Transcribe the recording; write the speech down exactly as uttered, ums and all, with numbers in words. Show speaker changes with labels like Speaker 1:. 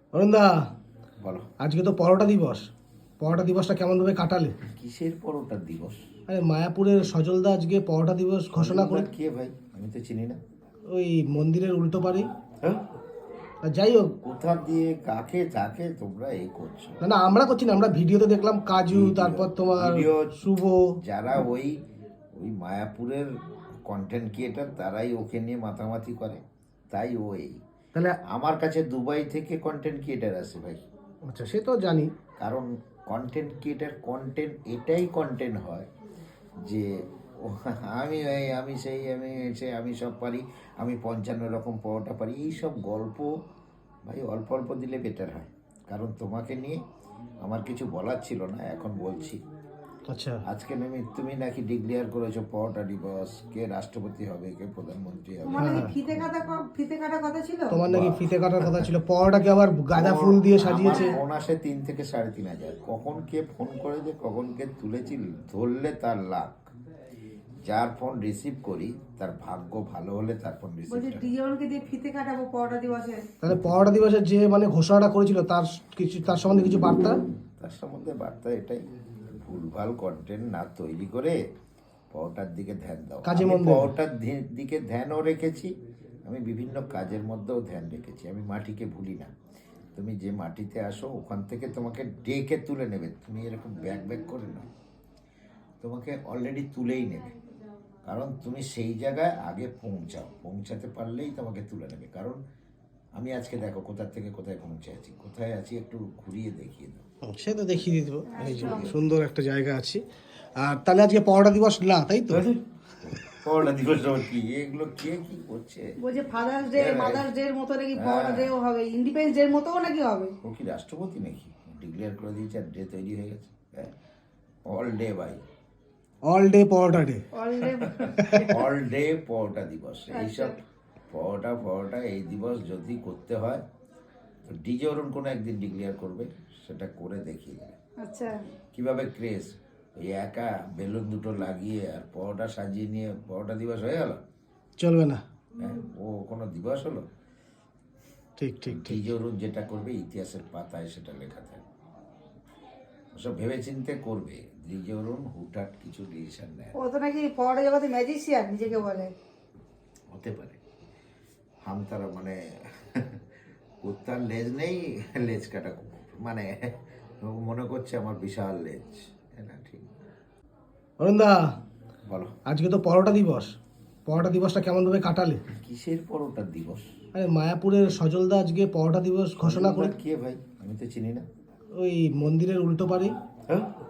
Speaker 1: অরুণদা,
Speaker 2: বলো।
Speaker 1: আজকে তো পরোটা দিবস। পরোটা দিবসটা কেমনভাবে কাটালে?
Speaker 2: কিসের পরোটা দিবস?
Speaker 1: আরে মায়াপুরের সজলদা আজকে পরোটা দিবস ঘোষণা করে।
Speaker 2: কে ভাই? আমি তো চিনি না।
Speaker 1: ওই মন্দিরের উল্টো পারি।
Speaker 2: হ্যাঁ?
Speaker 1: যাই হোক,
Speaker 2: কোথা দিয়ে কাকে যাকে তোমরা এই করছো?
Speaker 1: না না, আমরা করছি না, আমরা ভিডিওতে দেখলাম কাজু,
Speaker 2: ভিডিও-
Speaker 1: তারপর তোমার
Speaker 2: ভিডিও
Speaker 1: শুভ।
Speaker 2: যারা ওই ওই মায়াপুরের কন্টেন্ট ক্রিয়েটার তারাই ওকে নিয়ে মাতামাতি করে, তাই ও এই।
Speaker 1: তাহলে
Speaker 2: আমার কাছে দুবাই থেকে কন্টেন্ট ক্রিয়েটার আসে ভাই।
Speaker 1: আচ্ছা, সে তো জানি।
Speaker 2: কারণ কন্টেন্ট ক্রিয়েটার কন্টেন্ট এটাই কন্টেন্ট হয় যে ও আমি এই আমি সেই আমি সে আমি সব পারি, আমি পঞ্চান্ন রকম পরোটা পারি, এইসব গল্প ভাই অল্প অল্প দিলে বেটার হয়। কারণ তোমাকে নিয়ে আমার কিছু বলার ছিল না, এখন বলছি।
Speaker 1: আচ্ছা,
Speaker 2: আজকে তুমি তুমি নাকি ডিক্লেয়ার করেছো পরোটা দিবস, কে রাষ্ট্রপতি হবে, কে প্রধানমন্ত্রী হবে।
Speaker 3: তোমার নাকি ফিতে কাটা ক- ফিতে কাটার কথা ছিল।
Speaker 1: তোমার নাকি ফিতে কাটার কথা ছিল, পরোটাকে আবার গাঁদা ফুল দিয়ে সাজিয়েছে।
Speaker 2: আমার ফোন আসে তিন থেকে সাড়ে তিন হাজার। কখন কে ফোন করে যে কখন কে তুলেছি ধরলে তার লাখ। যার ফোন রিসিভ করি তার ভাগ্য ভালো হলে তার ফোন রিসিভ
Speaker 3: বলছি
Speaker 2: করে।
Speaker 3: ডিজনকে দিয়ে ফিতে কাটাবো পরোটা দিবসে।
Speaker 1: তাহলে পরোটা দিবসের যে মানে ঘোষণাটা করেছিল তার কিছু, তার সম্বন্ধে কিছু বার্তা।
Speaker 2: তার সম্বন্ধে বার্তা এটাই, ভুলভাল কন্টেন্ট না তৈরি করে পরোটার দিকে ধ্যান দাও।
Speaker 1: কাজে
Speaker 2: আমি
Speaker 1: মন দেবে।
Speaker 2: পরোটার ধি- দিকে ধ্যানও রেখেছি, আমি বিভিন্ন কাজের মধ্যেও ধ্যান রেখেছি। আমি মাটিকে ভুলি না। তুমি যে মাটিতে আসো ওখান থেকে তোমাকে ডেকে তুলে নেবে। তুমি এরকম ব্যাক ব্যাক করে নাও, তোমাকে অলরেডি তুলেই নেবে। কারণ তুমি সেই জায়গায় আগে পৌঁছাও, পৌঁছাতে পারলেই তোমাকে তুলে নেবে। কারণ আমি আজকে দেখো কোথা থেকে কোথায় পৌঁছে আছি, কোথায় আছি একটু ঘুরিয়ে দেখিয়ে দাও।
Speaker 1: সে তো দেখিয়ে দিত, এই যে সুন্দর একটা জায়গা আছি। আর তাহলে আজকে পরোটা দিবস না, তাই তো?
Speaker 2: পরোটা দিবস আবার কি? এগুলো কে কি করছে?
Speaker 3: বলছে ফাদার্স ডে
Speaker 2: হ্যাঁ,
Speaker 3: মাদার্স ডে এর মতো নাকি
Speaker 2: হ্যাঁ।
Speaker 3: পরোটা ডেও হবে, ইন্ডিপেন্ডেন্স ডে এর মতোও নাকি হবে।
Speaker 2: ও কি রাষ্ট্রপতি নাকি? ডিক্লেয়ার করে দিয়েছে আর ডে তৈরি হয়ে গেছে। হ্যাঁ, অল ডে ভাই,
Speaker 1: অল ডে পরোটা ডে।
Speaker 3: অলরেডি
Speaker 2: অল ডে পরোটা দিবস। এইসব পরোটা পরোটা এই দিবস যদি করতে হয় তো ডিজে অরুণ কোনো একদিন ডিক্লেয়ার করবে, সেটা করে দেখিয়ে দেবে
Speaker 3: আচ্ছা,
Speaker 2: কীভাবে ক্রেজ। ওই একা বেলুন দুটো লাগিয়ে আর পরোটা সাজিয়ে নিয়ে পরোটা দিবস হয়ে গেল।
Speaker 1: চলবে না।
Speaker 2: হ্যাঁ, ও কোনো দিবস হলো?
Speaker 1: ঠিক ঠিক ঠিক।
Speaker 2: ডিজে অরুণ যেটা করবে ইতিহাসের পাতায় সেটা লেখা থাকবে। ওসব ভেবে চিন্তে করবে। ডিজে অরুণ হুটহাট কিছু ডিসিশন নেয় না।
Speaker 3: ও তো নাকি পরোটা জগতে ম্যাজিশিয়ান নিজেকে বলে।
Speaker 2: হতে পারে। হাম তারা মানে কুত্তার লেজ নেই, লেজ কাটা কুকুর, মানে ও মনে করছে আমার বিশাল লেজ। না ঠিক।
Speaker 1: অরুণদা,
Speaker 2: বলো।
Speaker 1: আজকে তো পরোটা দিবস। পরোটা দিবসটা কেমনভাবে কাটালে?
Speaker 2: কিসের পরোটা দিবস?
Speaker 1: আরে মায়াপুরের সজলদা আজকে পরোটা দিবস ঘোষণা করে।
Speaker 2: কে ভাই? আমি তো চিনি না।
Speaker 1: ওই মন্দিরের উল্টো পারি।
Speaker 2: হ্যাঁ?